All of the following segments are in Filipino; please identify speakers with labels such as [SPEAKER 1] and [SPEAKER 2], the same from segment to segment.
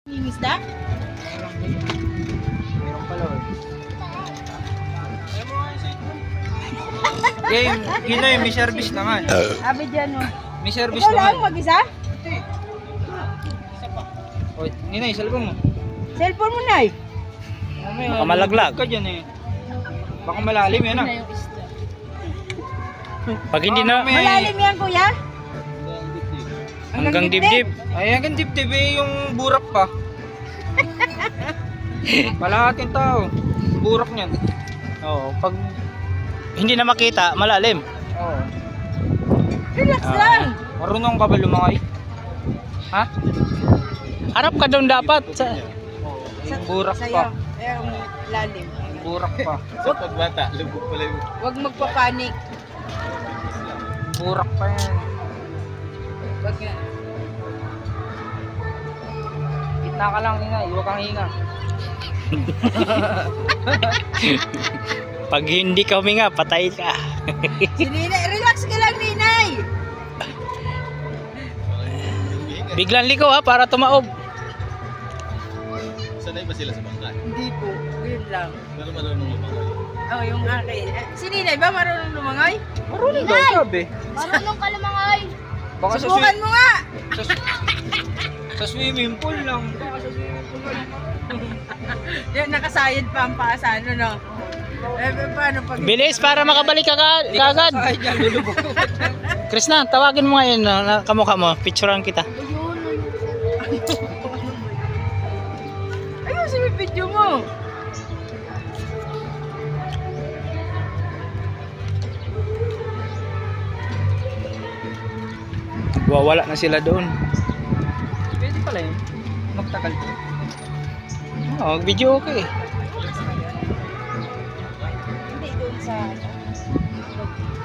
[SPEAKER 1] Yung isda?
[SPEAKER 2] Meron pala Game, Ginoy, may service naman.
[SPEAKER 1] Abi dyan mo.
[SPEAKER 2] May service
[SPEAKER 1] Ikaw lang
[SPEAKER 2] naman.
[SPEAKER 1] mag-isa?
[SPEAKER 2] O, Ninay, salbong mo.
[SPEAKER 1] Cellphone mo na eh.
[SPEAKER 3] Baka malaglag.
[SPEAKER 2] Ka dyan eh. Baka malalim yan ah.
[SPEAKER 3] Pag hindi na
[SPEAKER 1] Malalim yan kuya?
[SPEAKER 3] hanggang dibdib.
[SPEAKER 2] Ay, hanggang dibdib eh, yung burak pa. Palahating tao. Burak niyan.
[SPEAKER 3] Oo, pag hindi na makita, malalim.
[SPEAKER 2] Oo.
[SPEAKER 1] Relax lang.
[SPEAKER 2] Marunong ka ba lumakay? Ha?
[SPEAKER 3] Harap ka doon dapat. Sa,
[SPEAKER 2] Yung burak
[SPEAKER 1] Sa'yo.
[SPEAKER 2] pa.
[SPEAKER 1] Yung lalim.
[SPEAKER 2] Burak pa.
[SPEAKER 4] Sa pagbata, lubog pala yung...
[SPEAKER 1] Huwag magpapanik.
[SPEAKER 2] Burak pa yan.
[SPEAKER 1] Huwag nga.
[SPEAKER 2] Gitna ka lang, Ninay. Huwag kang hinga.
[SPEAKER 3] pag hindi ka huminga, patay ka.
[SPEAKER 1] Si Ninay, relax ka lang Ninay.
[SPEAKER 3] Biglang liko ha, para tumaob.
[SPEAKER 4] Sanay ba sila sa bangka?
[SPEAKER 1] Hindi po. Yun lang.
[SPEAKER 4] Pero marunong lumangoy.
[SPEAKER 1] Oh, yung akin. Si Ninay ba marunong lumangoy?
[SPEAKER 2] Marunong daw, sabi.
[SPEAKER 5] Marunong ka lumangay.
[SPEAKER 2] Baka sa,
[SPEAKER 1] Subukan mo nga.
[SPEAKER 2] sa, sa swimming pool lang. Baka sa swimming pool lang.
[SPEAKER 1] Yung nakasayad pa ang paa sa ano, no? Paano pag...
[SPEAKER 3] Bilis para makabalik ka kagad.
[SPEAKER 2] Ay, dyan, lulubog.
[SPEAKER 3] Krishna, tawagin mo ngayon na kamukha mo. Picturean kita.
[SPEAKER 1] Ayun, sa video mo.
[SPEAKER 3] Wawala na sila doon.
[SPEAKER 2] Pwede pala yun. Magtagal po.
[SPEAKER 3] Oh, video okay.
[SPEAKER 1] Hindi doon sa...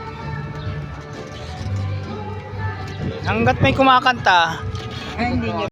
[SPEAKER 3] Hanggat may kumakanta,
[SPEAKER 1] Ay, hindi nyo